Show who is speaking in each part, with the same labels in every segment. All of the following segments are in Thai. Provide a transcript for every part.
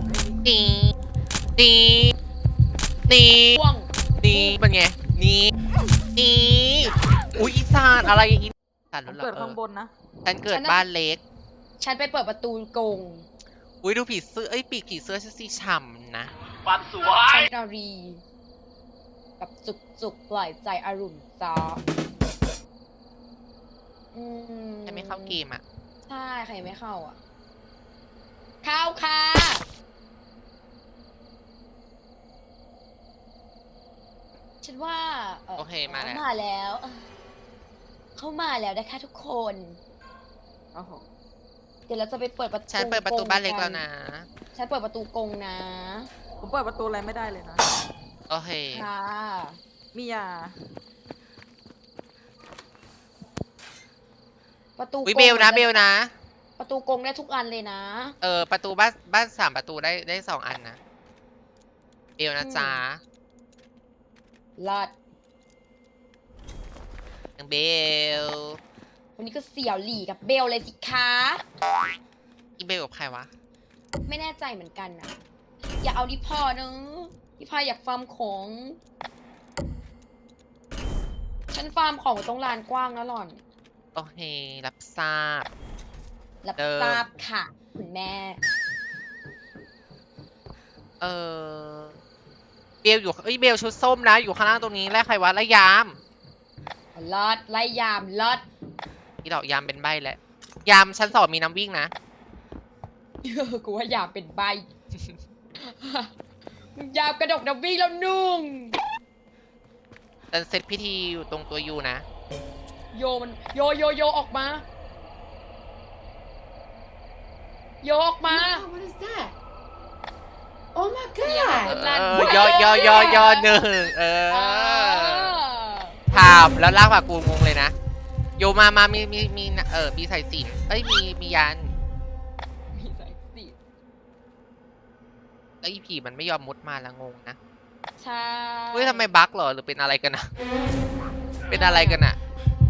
Speaker 1: นี่นี่นี่
Speaker 2: พ่วง
Speaker 1: นี่เป็นไงนี่นี่อุ้ยอีสานอะไรอีสาน
Speaker 3: ผม
Speaker 1: เหรอ
Speaker 3: เกิดข้างบนนะ
Speaker 1: ฉันเกิดบ้านเล็ก
Speaker 2: ฉันไปเปิดประตูกรง
Speaker 1: อุ้ยดูผีเสื้อปีกผีเสื้อฉันสีฉ่ำนะ
Speaker 4: ฟันสวย
Speaker 2: ฉันนารีแบบจุกปล่อยใจอารมณ์จ้า
Speaker 1: ฉันไม่เข้าเกมอ่ะ
Speaker 2: ใช่ใครไม่เข้าอ่ะ เข้าค่ะฉันว่า
Speaker 1: โอเคมาแล้ว
Speaker 2: มาแล้ว เข้ามาแล้วนะคะทุกคน
Speaker 3: โอ้โห
Speaker 2: เดี๋ยวเราจะไปเปิดประตู
Speaker 1: ฉันเปิดประตูบ้านเล็กแล้วนะ
Speaker 2: ฉันเปิดประตูกรงนะ
Speaker 3: ผมเปิดประตูอะไรไม่ได้เลยนะ
Speaker 1: โอเค
Speaker 2: ค่ะ
Speaker 3: มียา
Speaker 2: ประตู
Speaker 1: วิเบลนะเบลนะ
Speaker 2: ประตูกรงได้ทุกอันเลยนะ
Speaker 1: ประตูบ้าน3ประตูได้2อันนะเบลนะจ๊ะ
Speaker 2: ลอด
Speaker 1: นางเบล
Speaker 2: วันนี้ก็เสี่ยวหลี่กับเบลเลยสิคะ
Speaker 1: อีเบลกับใครวะ
Speaker 2: ไม่แน่ใจเหมือนกันนะอย่าเอาดิพ่อเนอะดิพ่ออยากฟาร์มของ ฉันฟาร์มของตรงลานกว้างนะหล่อน
Speaker 1: โอเค รับทราบ
Speaker 2: รับ
Speaker 1: เดิม
Speaker 2: ทราบค่ะ คุณแม่
Speaker 1: เบลอยู่เบลชุดส้มนะ อยู่ข้างล่างตรงนี้แล้วใครวะแล้วยาม
Speaker 2: ลอดไล่ยามลอด
Speaker 1: ที่ดอกยามเป็นใบแหละ ยามชั้น2มีน้ำวิ่งนะ
Speaker 2: กูว่ายามเป็นใบ ยามกระดกน้ำวิ่งแล้วนุ่ง
Speaker 1: ฉันเซตพิธีอยู่ตรงตัวยูนะ
Speaker 2: โยมันโยออกมา โยออกมา
Speaker 5: Wow, what is that? Oh my
Speaker 2: เสียง
Speaker 5: god!
Speaker 2: ลั่น
Speaker 1: ยอหนึ่งถามแล้วลากปากกูงงเลยนะ โยมามีสายสิญจน์มียัน
Speaker 2: มีสายสิญจน์
Speaker 1: แล้วอีผีมันไม่ยอมมุดมาแล้วงงนะ
Speaker 2: ใช่
Speaker 1: เฮ้ยทำไมบั๊กเหรอหรือเป็นอะไรกันนะ เป็นอะไรกันอะ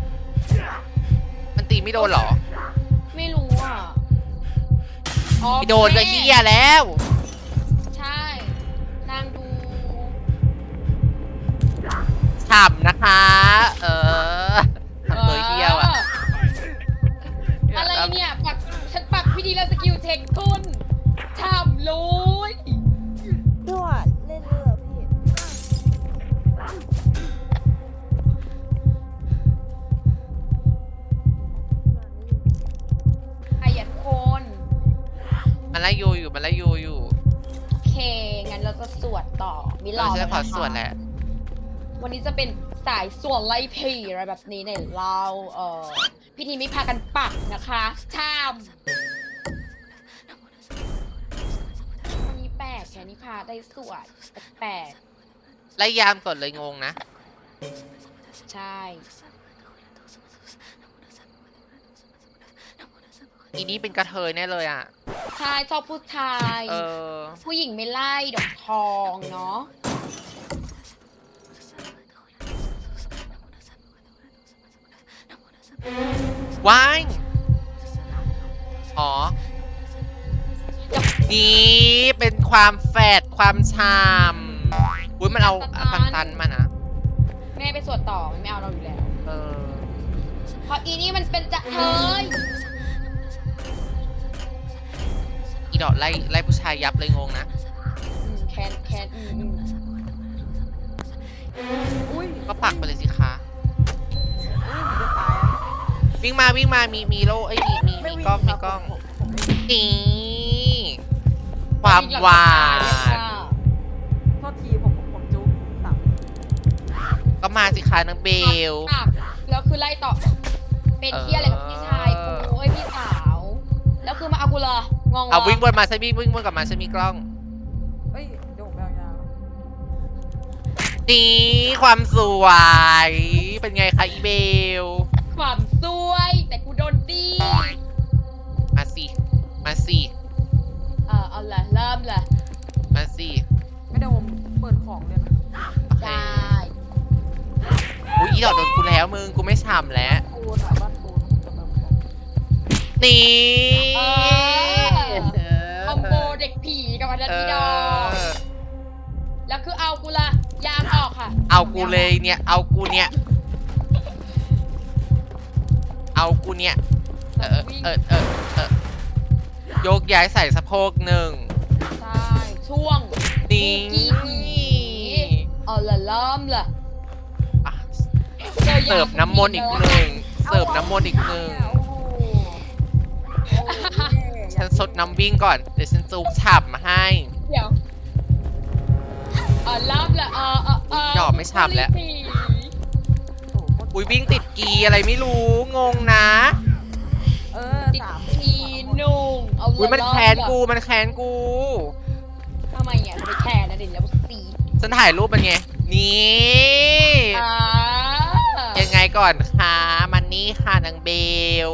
Speaker 1: มันตีไม่โดนเหรอ
Speaker 2: ไม่รู้อ่ะอ๋อ
Speaker 1: ไม่โดนก็เฮียแล้ว
Speaker 2: ใช่นางดู
Speaker 1: ฉ่ำนะคะ ทำตัวเฮียวอะ
Speaker 2: อะไรเนี่ยฉันปักพี่ดีแล้วสกิลเทคคุณทำเลย
Speaker 6: พี่หวานเล่นเลยเหรอพี่
Speaker 2: ขยันคน
Speaker 1: มันไล่ยูอยู่
Speaker 2: โอเค งั้นเราจะสวดต่อ มิลอ
Speaker 1: ฉันจะขอสวดแหละ
Speaker 2: วันนี้จะเป็นสายสวดไล่ผีอะไรแบบนี้เนี่ยเราพิธีไม่พากันปักนะคะทำวันนี้แปลกแค่นี้พาได้สวดแปลก
Speaker 1: ไล่ยามก่อนเลยงงนะ
Speaker 2: ใช่
Speaker 1: อีนี้เป็นกระเทยแน่เลยอ่ะ
Speaker 2: ชายชอบผู้ชาย ผู้หญิงไม่ไล่ดอกทองเนาะ
Speaker 1: ว้ายอ๋อ นี่เป็นความแฝดความชามอุ้ยมันเอาตันมานะ
Speaker 2: แม่ไปสวดต่อมันไม่เอาเราอยู่แล้ว
Speaker 1: เออ
Speaker 2: เพราะอีนี่มันเป็นจะเทย
Speaker 1: อีดอกไล่ผู้ชายยับเลยงงนะ
Speaker 2: แคน
Speaker 3: อุ้ย
Speaker 1: ก็ปักไปเลยสิคะ
Speaker 3: ผมจะตายอะ
Speaker 1: วิ่งมามีโล่มี
Speaker 3: ไม่วิ่
Speaker 1: กล้อง
Speaker 3: ค
Speaker 1: มี
Speaker 3: รับ
Speaker 1: กล้อง
Speaker 3: ผมไม่วิ่ง
Speaker 1: นี่ความหวาน
Speaker 3: โทษทีผมจุ๊บสาม
Speaker 1: ก็มาสิคะนางเบล
Speaker 2: ปักแล้วคือไล่ต่อ เป็นที่อะไรกับพี่ชายกูพี่สาว แล้วคือมาเอากูเลยงง
Speaker 1: เอาวิ่งบนมาฉันวิ่งบนกลับมาฉันมีกล้อง
Speaker 3: เฮ้ยเดี๋ยวผมไปเอายา
Speaker 1: นี่ความสวย เป็นไงคะอีเบล
Speaker 2: ความซวย แต่กูโดนดี
Speaker 1: มาสิ
Speaker 2: เอาละเริ่มเลย
Speaker 1: มาสิ
Speaker 3: ไม่ได้ผมเปิดของเลยนะ
Speaker 1: โอเค
Speaker 2: ได้
Speaker 1: อุ้ยอีดอกโดนกูแล้วมึงกูไม่ฉ่ำแล้ว
Speaker 3: ปูนอะบ้านปูนจะแบบบอก
Speaker 1: นี่
Speaker 2: คอมโบเด็กผีกับพันอีดอก แล้วคือเอากูละยางออกค่ะ
Speaker 1: เอากูเลยเนี่ย เอากูเนี่ย เอากูเนี่ย ยกย้ายใส่สะโพกหนึ่ง
Speaker 2: ใช่ช่วง
Speaker 1: นี่
Speaker 2: กี้ผีเอาละล้อมละ
Speaker 1: อ่ะ
Speaker 2: จอยา
Speaker 1: เสิร์ฟน้ำมนต์อีกหนึ่ง เสิร์ฟน้ำมนต์อีกหนึ่ง
Speaker 3: โอ้โหโอ้โห
Speaker 1: ฉันสดน้ำวิ่งก่อน เดี๋ยวฉันจูบฉ่ำมาให้
Speaker 2: เดี๋ยวล้อมละ
Speaker 1: หยอกไม่ฉ่ำแล้ว
Speaker 3: โอ้โห
Speaker 1: อุ้ยวิ่งติดกีอะไรไม่รู้ งงนะ
Speaker 2: ติดทีนุ่งเอา
Speaker 1: อุ้ยมัน
Speaker 2: ล้อ
Speaker 1: แค้น
Speaker 2: ละ
Speaker 1: กู มันแค้นกู
Speaker 2: ทำไมอ่ะจะไปแค้นนะเด่นแล้วสี
Speaker 1: ฉันถ่ายรูปมันไง นี่
Speaker 2: อ่า
Speaker 1: ยังไงก่อนคะมันนี่ค่ะนางเบล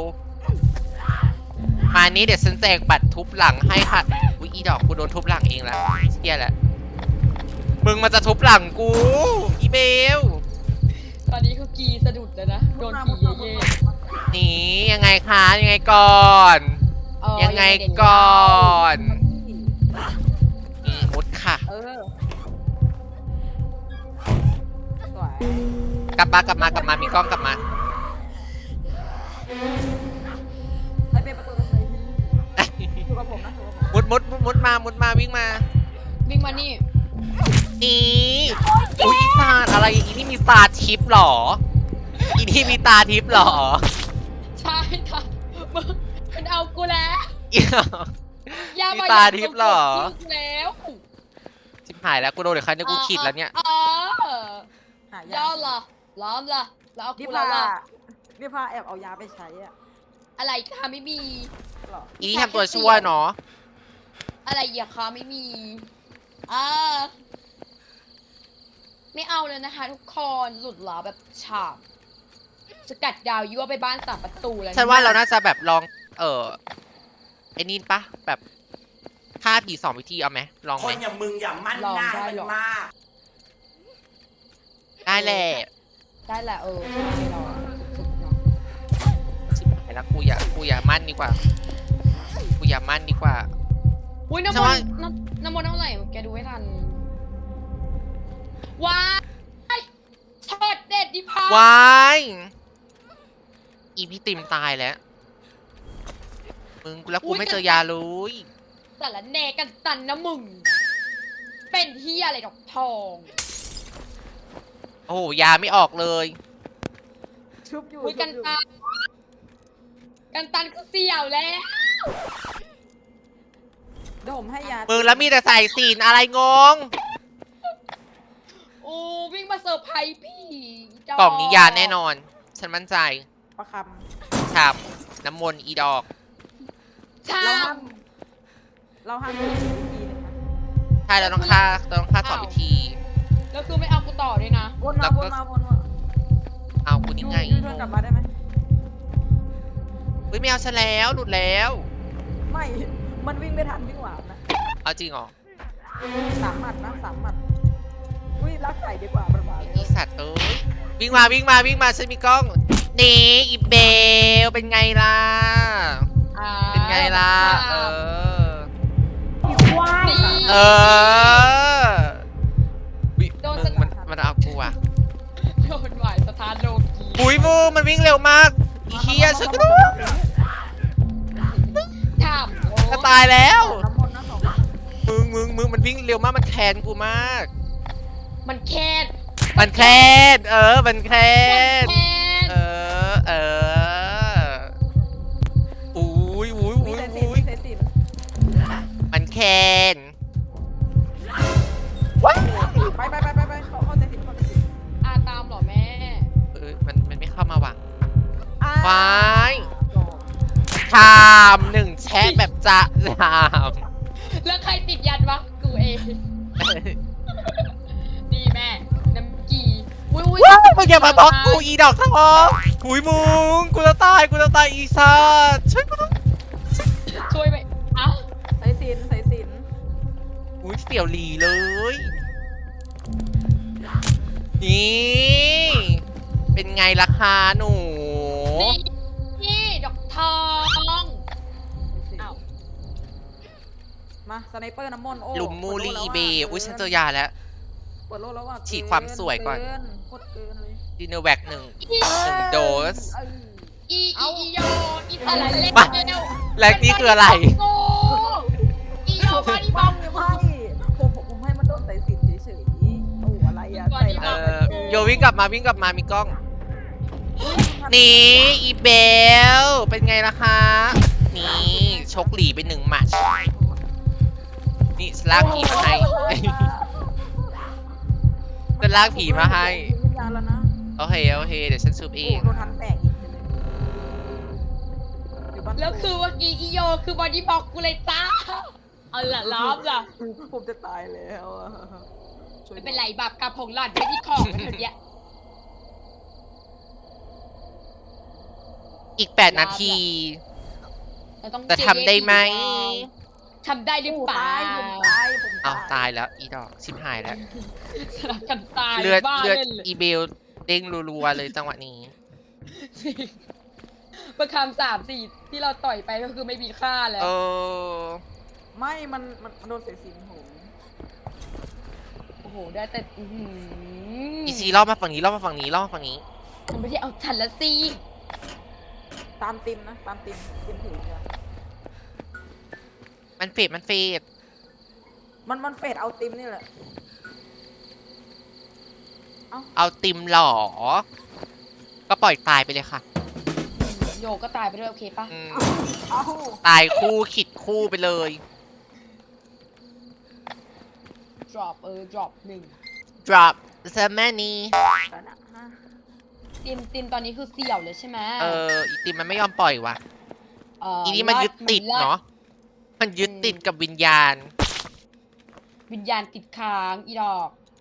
Speaker 1: มานี้เดี๋ยวฉันแจกบัตรทุบหลังให้ค่ะ อุ๊ยอีดอกกูโดนทุบหลังเองแล้วเชี่ยแล้วมึงมาจะทุบหลังกู อีเบล
Speaker 2: ตอนนี้คือกีสะดุดแล้วนะโดนผีเย่
Speaker 1: นี่ยังไงคะยังไงก่อน
Speaker 2: ๆ
Speaker 1: ยังไงก่อนนี่มุดค่ะ
Speaker 3: สวย
Speaker 1: กลับมามีกล้องกลับมา
Speaker 3: ไปเป็นประตูตรงไหนพี่อยู่กับผมนะอยู่กับผม
Speaker 1: มุดมาวิ่งมา
Speaker 2: วิ่งมานี่
Speaker 1: นี่อุ๊ยอีตาอะไรอีนี่มีตาทิพย์หรอ อีนี่มีตาทิพย์หรอ
Speaker 2: ใช่ค่ะมึงมันเอากูแล้ว
Speaker 1: อีดอก
Speaker 2: อย่า
Speaker 1: มี
Speaker 2: มา
Speaker 1: ตาทิพย์เหรอ
Speaker 2: กูแล้ว
Speaker 1: ชิบหายแล้วกูโดนเดี๋ยวใครเนี่ยกูขีดแล้วเนี่ย
Speaker 3: หายา
Speaker 2: ย่อละล้อมละแล้วเอา
Speaker 3: นี่
Speaker 2: กู
Speaker 3: พา
Speaker 2: แล้วล่ะ
Speaker 3: นี่พาแอบเอายาไปใช้อะ
Speaker 2: อะไรคะไม่มี
Speaker 3: หรอ
Speaker 1: อีนี่ทำตัวชั่วเนาะ
Speaker 2: อะไรอย่าคะไม่มีอ่าไม่เอาเลยนะคะ ทุกคนหลุดเหรอแบบฉาบสกัดดาวยั่วไปบ้านสามประตูแล้ว
Speaker 1: ฉันว่าเราน่าจะแบบลอง ไอ้นี่ปะแบบฆ่าผี2 วิธีเอาไหมลอง
Speaker 4: ค
Speaker 1: ไหม
Speaker 4: นอย่างมึงอย่ามั่นหน้าให้มันมาก
Speaker 1: ได้แหละ
Speaker 2: ได้แหละใช่เราสุดๆเนาะ
Speaker 1: ชิบหายแล้วกูอย่ามั่นดีกว่า กูอย่ามั่นดีกว่า
Speaker 2: อุ้ยน้ำ
Speaker 1: ฉั
Speaker 2: ม
Speaker 1: น
Speaker 2: น
Speaker 1: ว่า
Speaker 2: ต์น้ำมนต์เท่าไหร่แกดูให้ทันว้ายช็อตเด็ดดิพาว
Speaker 1: ายอีพี่ติมตายแล้วมึงแล้วกูไม่เจอยาเลย
Speaker 2: สารแหนกันตันนะมึง เป็นเฮียอะไรดอกทอง
Speaker 1: โอ้โหยาไม่ออกเลย
Speaker 3: ชุบอยู่
Speaker 2: อุ้ย
Speaker 3: ชุ
Speaker 2: กับ น
Speaker 3: อยู่
Speaker 2: ตันกันตันก็เสี่ยวแล้ว
Speaker 3: เดี๋ยวผมให้ยา
Speaker 1: มึงแล้วมีแต่ใส่สีนอะไรงง
Speaker 2: โอ้วิ่งมาเซอร์ไพรส์พี่ด
Speaker 1: กล่องนี้ยาแน่นอน ฉันมั่นใจ
Speaker 3: ประค
Speaker 1: ฉ่ำน้ำมนต์อีดอก
Speaker 2: ใช่
Speaker 3: ำเราห้ามดูวิธีหนึงนะ
Speaker 1: ใช่เราต้องฆ่า2 วิธี
Speaker 2: แล้วคือไม่เอากูต่อด้วยนะ
Speaker 3: วน
Speaker 1: แล้
Speaker 3: มาว
Speaker 1: ก็
Speaker 3: วนมาวนมา
Speaker 1: เอากูนี่ไง
Speaker 3: ยูเทิร์นกลับมาได้ไหม
Speaker 1: เฮ้ยไม่เอาฉันแล้วหลุดแล้ว
Speaker 3: ไม่ มันวิ่งไม่ทันวิ่งหวานนะ
Speaker 1: เอาจริงเหรอ
Speaker 3: 3 หมัดนะ3 หมัดอุ้ยรักไก่ดีกว่าประมาณ
Speaker 1: อีสัตว์เอ้ยวิ่งมาฉันมีกล้องนี่อีเบลเป็นไงล่ะ เป็นไงล่ะ
Speaker 2: นี่
Speaker 1: เออวิมันเอากูอ่ะ
Speaker 2: โดนหวายสถานโลกี
Speaker 1: ปุ้ยมูมันวิ่งเร็วมากอีเฮียฉันก็รู้
Speaker 2: ถาม
Speaker 1: จะตายแล้ว
Speaker 3: น้ำมนต์นะ2
Speaker 1: มึงมันวิ่งเร็วมากมันแค้นกูมาก
Speaker 2: มันแค้น
Speaker 1: มันแค้นมันแค้น
Speaker 2: แค้น
Speaker 1: อุ้ย
Speaker 3: มีสายสิญจน์มีสายสิญจน์
Speaker 1: มันแค้น
Speaker 3: ไปเข้าสายสิญจน์เข้าสายสิญจน์
Speaker 2: ตามเหรอแม่
Speaker 1: มันไม่เข้ามาว่ะ
Speaker 3: อ่า
Speaker 1: ว้าย
Speaker 3: จบ
Speaker 1: ทาม1 แชะแบบจะทาม
Speaker 2: แล้วใครติดยันวะกูเองนี่แม่น้ำกีอุ้ย
Speaker 1: ว้ายมึงอย่ามาบล็อกกูอีดอกทองหุยมึงกูจะตายอีสัตว์ช่วยกูด้วย
Speaker 2: ช่วยไปเอ้า
Speaker 3: สายสิญจน์
Speaker 1: อุ้ยเสี่ยวหลีเลย นี่เป็นไงล่ะคะหนู
Speaker 2: นี่ดอกทอง
Speaker 3: สายสิญจน์
Speaker 2: เอ้า
Speaker 3: มาสไนเปอร์น้ำมนต์โอ้
Speaker 1: หลุมมูลี
Speaker 3: เปิดโล่
Speaker 1: อีเบ
Speaker 3: แล้วะ
Speaker 1: อุ้ยฉันเจอยาแล้ว
Speaker 3: เปิดโลแล้วว่ะ
Speaker 1: ฉีดความสวยก่อน
Speaker 3: เโคตรเกินเลย
Speaker 1: ดินเนอร์แวกหนึ่งโดส
Speaker 3: เออ
Speaker 2: อี
Speaker 3: เอ้า
Speaker 2: อีโยอีสารเล็ก
Speaker 1: มา
Speaker 2: เร็ว
Speaker 1: และนี่คืออะไร
Speaker 2: โอ้อีโยบอดี้บล็อก
Speaker 3: ไม่ผมให้มันโดนใส่สินเฉยๆโอ้อะไรอะใส่
Speaker 1: เอ
Speaker 3: ร้าย
Speaker 1: อโยวิ่งกลับมามีกล้อง นี่อีเบล เป็นไงล่ะคะ นี่ชกหลีไปหนึ่งหมัดนี่สลากผีมาให้ จะลากผีมาให้
Speaker 3: วิญญาณแล้วนะ
Speaker 1: โอเคเดี๋ยวฉันซูบเอ
Speaker 3: โอ้
Speaker 1: ง
Speaker 3: โดนทันแตกอีกอยู่บ้าน
Speaker 2: แล้วคือเมื่อกี้อีโยคือบอดี้บล็อกกูเลยจ้าเอาล่ะล้อมล่ะ
Speaker 3: ผมจะตายแล้วอะช่วย
Speaker 2: ไม่เป็นไรบาปกรรมของหล่อนไม่ที่ของเธอเนี่ย
Speaker 1: อีก8 นาที
Speaker 2: เราต้อง
Speaker 1: จะทำได้ไหม
Speaker 2: ทำได้หรือเปล่า
Speaker 3: ผม
Speaker 1: เอาตายแล้วอีดอกชิบหายแล้ว
Speaker 2: สลับกันตาย
Speaker 1: เลือด
Speaker 2: บ้า
Speaker 1: เลือด
Speaker 2: เล่นเลย
Speaker 1: อีเบลเด้งรัวๆเลยจังหวะนี้
Speaker 2: จริงประคำ3-4ที่เราต่อยไปก็คือไม่มีค่าแล้ว
Speaker 1: เออ
Speaker 3: ไม่มันโดนเสียสินผม
Speaker 2: โอ้โหได้แต่อื้อหือ
Speaker 1: อีซีรอบมาฝั่งนี้
Speaker 2: มันไม่ได้เอาฉันละสิ
Speaker 3: ตามติมนะตามติมถือเนี่ย
Speaker 1: มันเฟด
Speaker 3: มันเฟดเอาติมนี่แหละ
Speaker 1: เอาติมหล่อ ก็ปล่อยตายไปเลยค่ะ
Speaker 2: โยก็ตายไปด้วยโอเคปะ
Speaker 1: อืม
Speaker 3: เอ้า
Speaker 1: ตายคู่ขิดคู่ไปเลย
Speaker 2: drop drop 1
Speaker 1: drop the money
Speaker 3: แต่นะฮะ
Speaker 2: ติมตอนนี้คือเสี่ยวเลยใช่ไหม
Speaker 1: อีติมมันไม่ยอมปล่อยวะอีนี่มันยึดติดเนาะ มันยึดติดกับวิญญาณ
Speaker 2: วิญญาณติดค้างอีดอก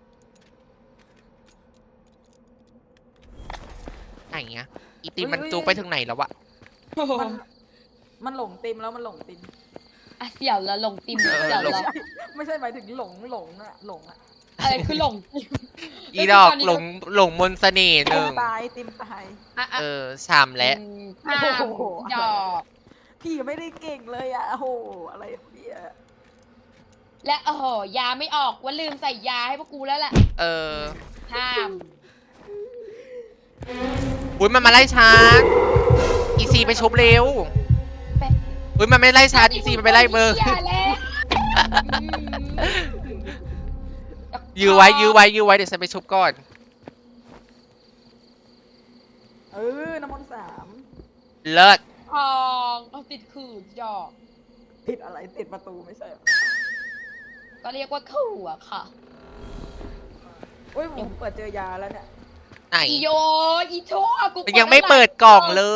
Speaker 1: ไหนเงี้ย อีติมมันจูงไปถึงไหนแล้ววะ
Speaker 3: มันหลงติมแล้วมันหลงติม
Speaker 2: อ่ะเสี่ยวแล้วลงติมเสี่ยว
Speaker 1: หลง
Speaker 2: แล้ว
Speaker 3: ไม่ใช่หมายถึงหลงอะ
Speaker 2: อะไรคือหลง
Speaker 1: อีดอกหลงมนต์เสน่ห์หนึ่ง
Speaker 3: ตายติมตาย
Speaker 2: อ่ะ
Speaker 1: ชามและ
Speaker 2: ห้าม
Speaker 3: โอ้โห
Speaker 2: ดอก
Speaker 3: พี่ไม่ได้เก่งเลยอะโอ้โหอะไรเนี่ย
Speaker 2: และยาไม่ออกว่าลืมใส่ยาให้พวกกูแล้วแหละ ห้าม
Speaker 1: อุ้ยมันมาไล่ช้างอีซีไปชุบเร็ว
Speaker 2: แป๊บ
Speaker 1: อุ้ยมันไม่ไล่ช้างอีซีมันไปไล่เบอร์
Speaker 2: อย่าแล้ว
Speaker 1: ยื้อไว้เดี๋ยวฉันไปชุบก่อน
Speaker 3: น้ำมนต์3
Speaker 1: เลิศ
Speaker 2: ทองเอาติดขื่อดอก
Speaker 3: ติดอะไรติดประตูไม่ใช่เหรอ
Speaker 2: ก็เรียกว่าขื่ออะค่ะ
Speaker 3: อุ้ยผมเปิดเจอยาแล้วเนี่ย
Speaker 1: ไหน
Speaker 2: อีโยอีชั่วกู
Speaker 1: มันยังไม่เปิดกล่องเลย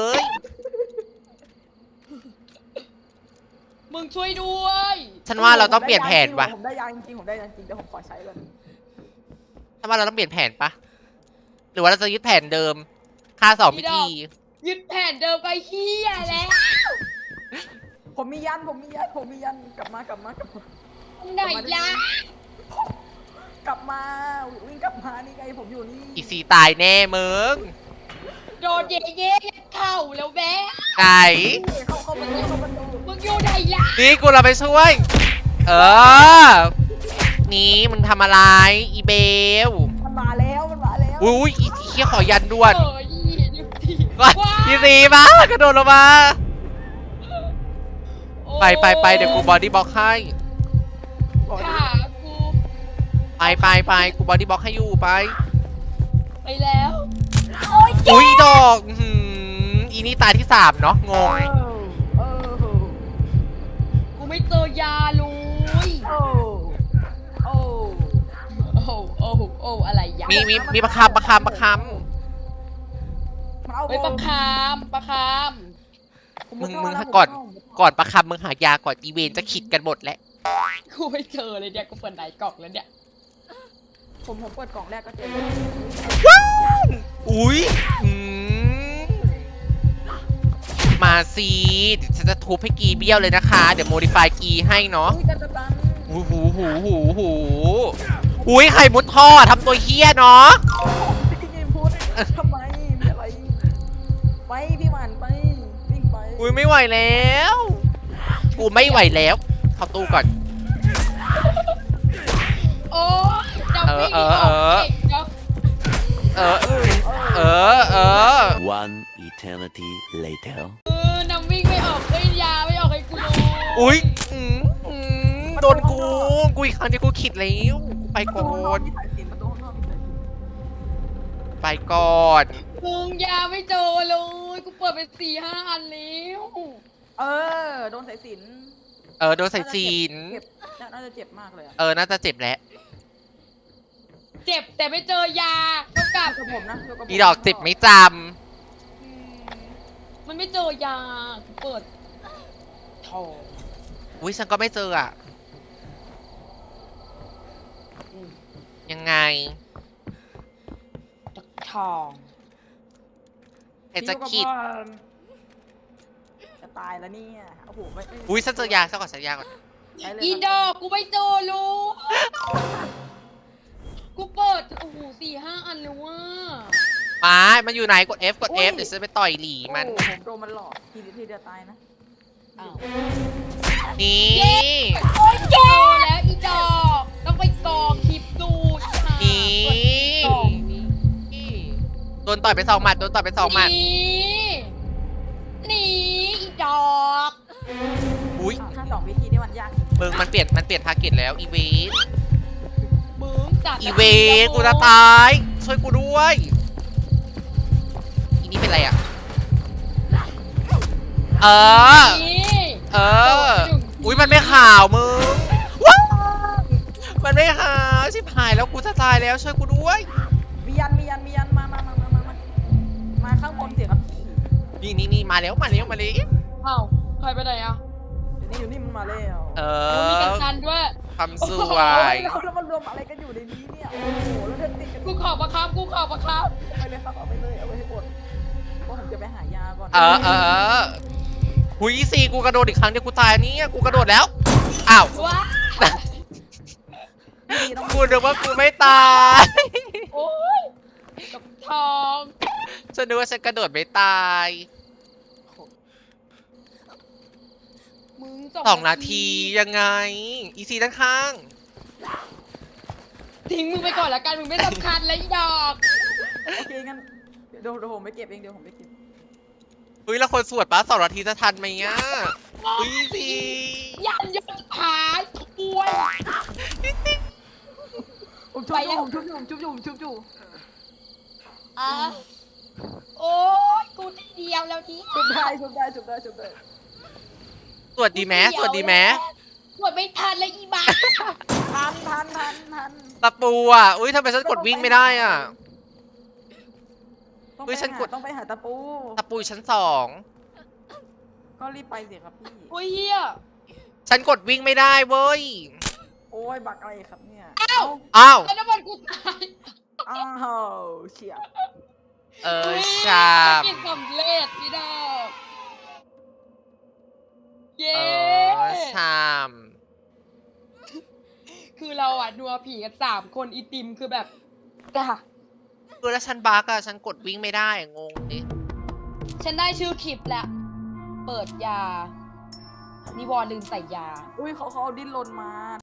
Speaker 2: มึงช่วยด้วย
Speaker 1: ฉันว่าเราต้องเปลี่ยนแผนว่ะ
Speaker 3: ผมได้ยาจริงๆผมได้ยาจริงแต่ผมขอใช้ก่อน
Speaker 1: ฉันว่าเราต้องเปลี่ยนแผนปะหรือว่าเราจะยึดแผนเดิม ค่า2 พิธี
Speaker 2: ยึดแผนเดิมไปเฮียแล้ว
Speaker 3: ผมมียันกลับมา
Speaker 2: ไหนยะ
Speaker 3: กลับมาวิ่งกลับมานี่ไงผมอยู่นี่
Speaker 1: อีซีตายแน่มึง
Speaker 2: โดนเย่เข่าแล้วแม่
Speaker 1: ไหน
Speaker 3: เข้ามาดู
Speaker 2: มึงอยู่ไหนยะ
Speaker 1: นี่กูเราไปช่วย นี่มึงทำอะไร อีเบล
Speaker 3: มันมาแล้ว
Speaker 1: อุ้ยอีเคี้ยขอยันด่วน
Speaker 2: อีนิวที
Speaker 1: อีซีมากระโดดลงมา ไปเดี๋ยวกูบอดี้บล็อกให้
Speaker 2: ขากู
Speaker 1: ไปกูบอดี้บล็อกให้อยู่ไป
Speaker 2: ไปแล้ว
Speaker 1: อุ้ยดอกอีนี่ตายที่ 3 เนาะงง
Speaker 2: กูไม่เจอยาลุยโอ้อะไรยะ
Speaker 1: มีประคำ
Speaker 2: เฮ้ยประคาม
Speaker 1: มึงก่อนประคำมึงหายาก่อนอีเวนจะขิดกันหมดแล้ว
Speaker 2: กูไม่เจอเลยเนี่ยกูเปิดไหนกล่องแล้วเนี่ย
Speaker 3: ผมเปิดกล่องแรกก็เจอ
Speaker 1: อุ้ยมาสิเดี๋ยวฉันจะทุบให้กีเบี้ยวเลยนะคะ เดี๋ยวโมดิฟายกีให้เนาะ หูอุ้ยไข่มุดท่อทำตัวเฮี้ยเนาะ
Speaker 3: พี่ยิมพูดทำไมมีอะไรไปพี่หมันไปวิ่งไป
Speaker 1: อุ้ยไม่ไหวแล้ว กูไม่ไหวแล้ว เข้าตู้ก่อนเออ
Speaker 7: One eternity later.
Speaker 2: นำวิ่งไม่ออกเลยยาไม่ออกให้กูเลย
Speaker 1: อุ้ยโดนกูอีกครั้งที่กูขิดแล้วกูไป
Speaker 3: ประตู
Speaker 1: ก่อ
Speaker 3: ห้องนอก
Speaker 1: น
Speaker 3: มีสายสิญจนประตูห้องนอกมีสายสิญจน
Speaker 1: ไปก่อน
Speaker 2: มึงยาไม่เจอเลยกูเปิดไป4-5 อันแล้ว
Speaker 3: โดนสายสิญจน
Speaker 1: โดนใส่จีน
Speaker 3: เจ็บน่าจะเจ็บมากเลยอะ
Speaker 1: น่าจะเจ็บแล้ว
Speaker 2: เจ็บแต่ไม่เจอยาเท่ากับ
Speaker 3: กับผมนะกับผม
Speaker 1: อีดอกเจ็บไม่จ
Speaker 2: มันไม่เจอยากูเปิดทอง
Speaker 1: ำอุ้ยฉันก็ไม่เจออะยังไง
Speaker 2: ทอง
Speaker 1: ไอ้จะขิด
Speaker 3: จะตายแล้วเนี่ยโอ้โหไม่
Speaker 1: อุ้ยฉันเจอยาซะก่อนฉันยาก่อน
Speaker 3: ไปเลย
Speaker 2: อีดอกกูไม่เจอลูกกูเปิดโอ้โห4-5 อันแล้วว่า
Speaker 1: มันอยู่ไหนกด F กด F เดี๋ยวฉันไปต่อยหลีมัน
Speaker 3: โอ้โหผมโดนมันหลอกทีเดียวตายนะ
Speaker 2: อ้าว
Speaker 1: นี่
Speaker 2: โอ้ยเจอแล้วอีดอกต้องไปกองคลิปดูค่ะ
Speaker 1: นี่
Speaker 2: กองนี้
Speaker 1: โดนต่อยไป2 หมัดโดนต่อยไป2 หมัด
Speaker 2: นี่อีดอก
Speaker 1: อุ้ย
Speaker 3: ถ้า2 วิธีนี่มันยาก
Speaker 1: มึงมันเปลี่ยนทาร์เก็ตแล้วอีเวน
Speaker 2: มึงจัด
Speaker 1: อีเวนกูจะตาย ช่วยกูด้วยอีนี่เป็นไรอ่ะ
Speaker 2: นี่
Speaker 1: อุ้ยมันไม่ข่าวมึงว้าวมันไม่ข่าวชิบหายแล้วกูจะตายแล้วช่วยกูด้วย
Speaker 3: มียันมาข้างบนเสียครับพี่
Speaker 1: นี่มาแล้ว
Speaker 2: เอ้าใครไปไหนอ่ะ
Speaker 3: อยู่นี่มันมาแล้ว
Speaker 2: มีกัปตันด้วย
Speaker 1: ความสวย
Speaker 3: แล้วมันรวมอะไรกันอยู่ในนี้เนี่ยโอ้โหแล้วเดินติดกัน
Speaker 2: กูขอประคับ
Speaker 3: ไปเลยครับเอาไปเลยเอาไปให้หมดเพราะผมจะไปหายาก่อน
Speaker 1: หุยซีกูกระโดดอีกครั้งเดียวกูตายเนี่ยกูกระโดดแล้วอ้าว
Speaker 2: ว้า
Speaker 1: กูนึกว่ากูไม่ตาย
Speaker 2: โอ้ยกับทอง
Speaker 1: ฉันนึกว่าฉันกระโดดไม่ตาย
Speaker 2: มึง
Speaker 1: 2 นาทียังไงอีซีด้านข้าง
Speaker 2: ทิ้งมึงไปก่อนละกันมึงไม่สำคัญเลยอีดอก
Speaker 3: โอเคงั้นเดี๋ยวผมไปเก็บเองผมไปเก็บ
Speaker 1: เฮ้ยแล้วคนสวดปะ2 นาทีจะทันไหมอ่ะอีซี
Speaker 2: ยันยศผาป่วย
Speaker 3: ผมชุบอยู่
Speaker 2: อ่ะโอ้ยกูทีเดียวแล้วนี่
Speaker 3: ชุบได้
Speaker 1: สวดดีไหมสวดดีไหม
Speaker 2: สวดไม่ทันเลยอีบ้า
Speaker 3: ทัน
Speaker 1: ตะปูอ่ะอุ้ยทำไมฉันกดวิ่งไม่ได้อ่ะ
Speaker 3: ต้องไปหาตะปู
Speaker 1: ตะปูอยู่ชั้น
Speaker 3: ก็รีบไปสิครับพี่
Speaker 2: โอ้ยเฮีย
Speaker 1: 2ฉันกดวิ่งไม่ได้เว้ย
Speaker 3: โอ้ยบักอะไรครับเนี่ย
Speaker 1: อ้าว
Speaker 2: แล้วน้ำมันกูตาย
Speaker 3: อ้าวเฉียบ
Speaker 1: ชาม
Speaker 2: กินสำเร็จพี่ดอกเย้
Speaker 1: ชาม
Speaker 2: คือเราอ่ะนัวผีกัน3 คนอีติมคือแบบจ้ะ
Speaker 1: คือแล้วฉันบักอะฉันกดวิ่งไม่ได้อะงงดิ
Speaker 2: ฉันได้ชื่อคลิปแล้ว เปิดยา นิวรณ์ลืมใส่ยา
Speaker 3: อุ้ยเขาเอาดิ้นรนมา